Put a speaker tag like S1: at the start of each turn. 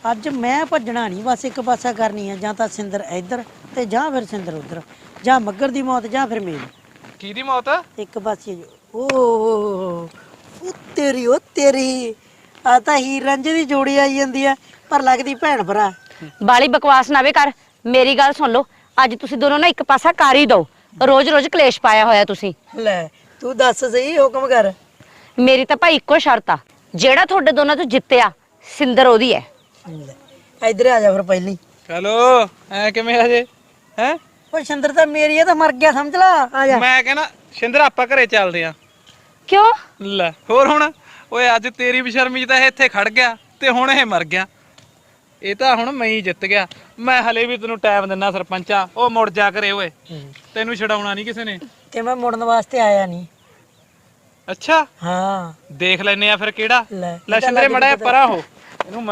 S1: ਅੱਜ ਮੈਂ ਭੱਜਣਾ ਨਹੀਂ, ਬਸ ਇੱਕ ਪਾਸਾ ਕਰਨੀ ਆ, ਜਾਂ ਤਾਂ ਸਿੰਦਰ ਇੱਧਰ ਤੇ ਜਾਂ ਫਿਰ ਸਿੰਦਰ ਉੱਧਰ, ਜਾਂ ਮੱਗਰ ਦੀ ਮੌਤ ਜਾਂ ਫਿਰ ਮੇਰੀ।
S2: ਕਿਹਦੀ ਮੌਤ?
S1: ਇੱਕ ਪਾਸੇ ਉਹ ਤੇਰੀ ਆ ਤਾਂ ਹੀਰ ਰਾਂਝੇ ਦੀ ਜੋੜੀ ਆਈ ਜਾਂਦੀ ਆ, ਪਰ ਲੱਗਦੀ ਭੈਣ ਭਰਾ।
S3: ਬਾਲੀ ਬਕਵਾਸ ਨਾ ਵੇ ਕਰ, ਮੇਰੀ ਗੱਲ ਸੁਣ ਲਓ। ਅੱਜ ਤੁਸੀਂ ਦੋਨੋਂ ਨਾ ਇੱਕ ਪਾਸਾ ਕਰ ਹੀ ਦਿਓ। ਰੋਜ਼-ਰੋਜ਼ ਕਲੇਸ਼ ਪਾਇਆ ਹੋਇਆ ਤੁਸੀਂ।
S1: ਲੈ ਤੂੰ ਦੱਸ ਸਹੀ, ਹੁਕਮ ਕਰ।
S3: ਮੇਰੀ ਤਾਂ ਭਾਈ ਇੱਕੋ ਸ਼ਰਤ ਆ, ਜਿਹੜਾ ਤੁਹਾਡੇ ਦੋਨਾਂ ਤੋਂ ਜਿੱਤਿਆ ਸਿੰਦਰ ਉਹਦੀ ਹੈ।
S1: ਲੈ ਇੱਧਰ ਆ ਜਾ ਫਿਰ ਪਹਿਲੀ।
S2: ਚਲੋ ਐ ਕਿਵੇਂ ਹਜੇ ਹੈ?
S1: ਓਏ ਸਿੰਦਰ ਤਾਂ ਮੇਰੀ ਆ, ਤਾਂ ਮਰ ਗਿਆ ਸਮਝ ਲਾ। ਆ ਜਾ।
S2: ਮੈਂ ਕਹਿੰਦਾ ਸ਼ਿੰਦਰ ਆਪਾਂ ਘਰੇ ਚੱਲਦੇ ਆ।
S3: ਕਿਉਂ?
S2: ਲੈ ਹੋਰ ਹੁਣ, ਓਏ ਅੱਜ ਤੇਰੀ ਬਸ਼ਰਮੀ ਤਾਂ ਇਹ ਇੱਥੇ ਖੜ ਗਿਆ ਤੇ ਹੁਣ ਇਹ ਮਰ ਗਿਆ। ਇਹ ਤਾਂ ਹੁਣ ਮੈਂ ਹੀ ਜਿੱਤ ਗਿਆ। ਮੈਂ ਹਲੇ ਵੀ ਤੈਨੂੰ ਟਾਈਮ ਦਿੰਦਾ ਸਰਪੰਚਾ, ਉਹ ਮੁੜ ਜਾ ਕਰੇ ਓਏ, ਤੈਨੂੰ ਛਡਾਉਣਾ ਨਹੀਂ ਕਿਸੇ ਨੇ।
S1: ਤੇ ਮੈਂ ਮੁੜਨ ਵਾਸਤੇ ਆਇਆ ਨਹੀਂ।
S2: ਅੱਛਾ
S1: ਹਾਂ
S2: ਦੇਖ ਲੈਨੇ ਆ ਫਿਰ ਕਿਹੜਾ।
S1: ਲੈ
S2: ਲੈ ਸ਼ਿੰਦਰੇ ਮੜਾ ਪਰਾਂ ਹੋ ਇਹਨੂੰ।